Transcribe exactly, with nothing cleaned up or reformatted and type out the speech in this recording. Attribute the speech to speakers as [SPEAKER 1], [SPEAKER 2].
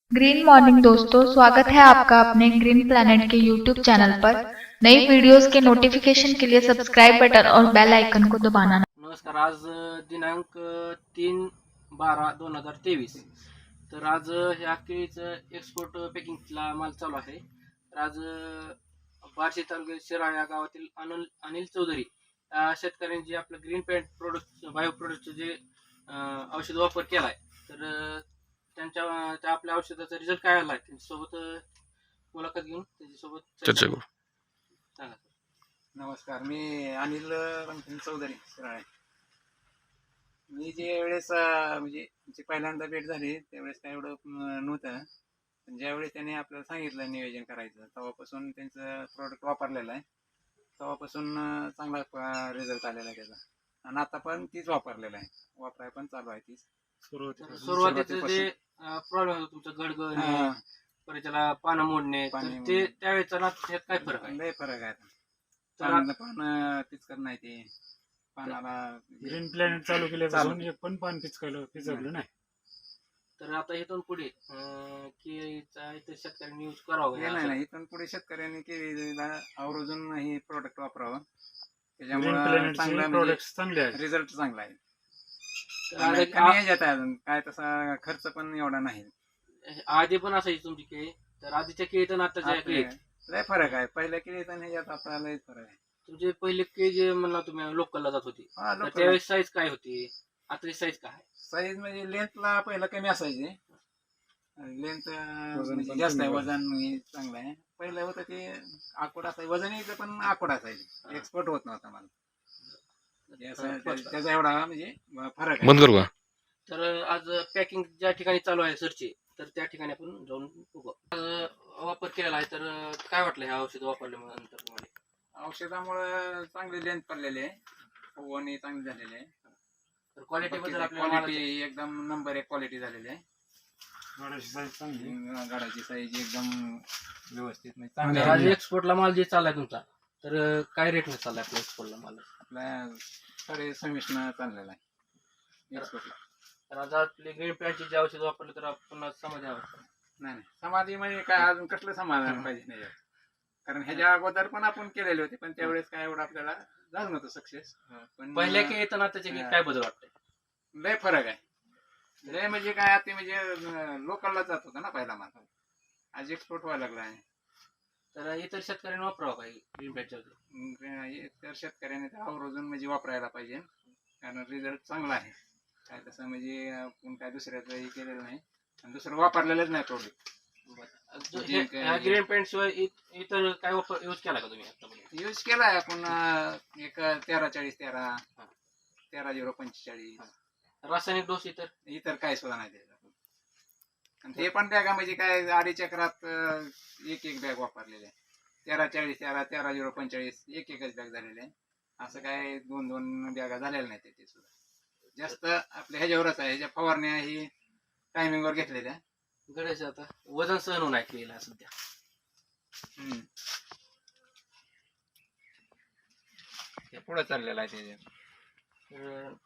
[SPEAKER 1] Green morning दोस्तों, स्वागत है आपका अपने ग्रीन प्लैनेट के यूट्यूब चैनल पर। नई वीडियोस के नोटिफिकेशन के लिए सब्सक्राइब बटन और बेल आइकन को दबाना।
[SPEAKER 2] नमस्कार। आज दिनांक तीन बारा दोन हजार तेवीस। तर आज ह्या केळीचं एक्सपोर्ट पॅकिंगला माल चालू आहे। तर आज बार्शी तालुक्यात शिराळा या गावातील अनिल अनिल चौधरी या शेतकऱ्यांनी जे आपलं ग्रीन पॅन्ट प्रोडक्ट बायो प्रोडक्टचं जे औषध वापर केला आहे, तर त्यांच्या त्या आपल्या औषधाचा रिझल्ट काय आला आहे त्यांच्यासोबत मुलाखत घेऊन त्याच्यासोबत चर्चा करू। सांगा सर।
[SPEAKER 3] नमस्कार, मी अनिल रणजित चौधरी शिराळे। मी जे वेळेस म्हणजे आमची पहिल्यांदा भेट झाली त्यावेळेस काय एवढं नव्हतं, पण ज्यावेळेस त्याने आपल्याला सांगितलं नियोजन करायचं तेव्हापासून त्यांचं प्रोडक्ट वापरलेलं आहे। तेव्हापासून चांगला रिझल्ट आलेला आहे त्याचा, आणि आता पण तीच वापरलेला आहे, वापराय पण चालू आहे तीच।
[SPEAKER 2] सुरुवातीचं जे प्रॉब्लेम होता तुमचा गडगड परत त्याला पानं मोडणे, ते त्यावेळेचा ना त्यात काय फरक आहे?
[SPEAKER 3] लय फरक आहे। पान पान पिचकर नाही ते पानाला
[SPEAKER 4] ग्रीन प्लॅनेट चालू केल्यापासून एक पण पान पिचकलं पिचकलं नाही।
[SPEAKER 2] तर आता इथून पुढे केळीचा इतर शेतकऱ्यांनी यूज करावं?
[SPEAKER 3] नाही नाही, इथून पुढे शेतकऱ्यांनी केळीला आवर्जून हे प्रोडक्ट वापरावं,
[SPEAKER 4] ग्रीन
[SPEAKER 3] त्याच्यामुळे
[SPEAKER 4] प्लॅनेटचे
[SPEAKER 3] चांगला
[SPEAKER 4] प्रोडक्ट्स चांगले आहेत,
[SPEAKER 3] रिझल्ट चांगला आहे।
[SPEAKER 2] आणि
[SPEAKER 3] कमी ह्याच्यात आहे अजून, काय तसा खर्च पण एवढा नाही।
[SPEAKER 2] आधी पण असायची तुमची केळी, तर आधीच्या केळीत आणि आताच्या केळीत
[SPEAKER 3] लय फरक आहे। पहिल्या केळीत आणि ह्याच्यात आता लय फरक आहे।
[SPEAKER 2] तुमचे पहिले केळी जे म्हणला तुम्ही लोकलला जात होती, तर त्यावेळेस साईज काय होती, आता साईज काय?
[SPEAKER 3] साईज म्हणजे लेंथला पहिला कमी असायची, लेंथ जास्त आहे, वजन हे चांगलं आहे। पहिलं होतं ते आकोड असायचं, वजन यायचं पण आकोड असायचं, एक्सपोर्ट होत नव्हता मला त्याचा एवढा म्हणजे फरक आहे।
[SPEAKER 2] तर आज पॅकिंग ज्या ठिकाणी चालू आहे सरची, तर त्या ठिकाणी आपण जाऊन बघू। वापर केलेला आहे, तर काय वाटलं ह्या औषध वापरल्यानंतर तुम्हाला?
[SPEAKER 3] औषधामुळे चांगली लेंथ पडलेली आहे, फुगवणी चांगली झालेली आहे।
[SPEAKER 2] तर क्वालिटी बद्दल
[SPEAKER 3] क्वालिटी एकदम नंबर एक क्वालिटी झालेली आहे।
[SPEAKER 4] गाडाची साईज चांगली,
[SPEAKER 3] गाडाची साईज एकदम व्यवस्थित
[SPEAKER 2] म्हणजे एक्सपोर्टला माल जे चाललाय तुमचा, तर काय रेटने चाललाय आपल्या एक्सपोर्टला माल?
[SPEAKER 3] आपल्या साडे सव्वीस न चाललेला आहे एक्सपोर्टला।
[SPEAKER 2] तर आता आपले ग्रीन पॅन्टचे जे औषध वापरले तर आपण समाधी आहोत?
[SPEAKER 3] नाही नाही, समाधी म्हणजे काय अजून कसलं समाधान पाहिजे नाही, कारण ह्याच्या अगोदर पण आपण केलेले होते, पण त्यावेळेस काय एवढं आपल्याला झालं नव्हतं सक्सेस।
[SPEAKER 2] पण पहिल्या की येतं ना त्याच्या काय बदल वाटतंय?
[SPEAKER 3] लय फरक आहे, लय म्हणजे काय आता म्हणजे लोकलला जात होता ना पहिला माल, आज एक्सपोर्ट व्हायला लागला आहे।
[SPEAKER 2] तर इतर शेतकऱ्यांनी वापरावं काही ग्रीन पॅन्टच्या?
[SPEAKER 3] इतर शेतकऱ्यांनी तर आवर्जून म्हणजे वापरायला पाहिजे, कारण रिझल्ट चांगला आहे। काय तसं म्हणजे आपण काय दुसऱ्याचं हे केलेलं नाही, आणि दुसरं वापरलेलंच नाही प्रोडक्ट।
[SPEAKER 2] ग्रीन पॅन्ट शिवाय इतर काय वापर यूज केला का तुम्ही आता?
[SPEAKER 3] यूज केलाय आपण एक तेरा चाळीस तेरा तेरा झिरो पंचेचाळीस।
[SPEAKER 2] रासायनिक डोस इतर
[SPEAKER 3] इतर काय सुद्धा नाही त्याचा, आणि ते पण बॅगा म्हणजे काय अडीच चक्रात एक एक बॅग वापरलेले, तेरा चाळीस तेरा तेरा झिरो पंचेचाळीस एक एकच बॅग झालेले आहे। असं काय दोन दोन बॅगा झालेल्या नाही त्याचे सुद्धा, जास्त आपल्या ह्याच्यावरच आहे। ह्याच्या फवारण्या ही टायमिंगवर घेतलेल्या
[SPEAKER 2] गड्याचे आता वजन सहन होणार केलेलं सध्या।
[SPEAKER 3] हम्म, पुढे चाललेला आहे त्याच्या।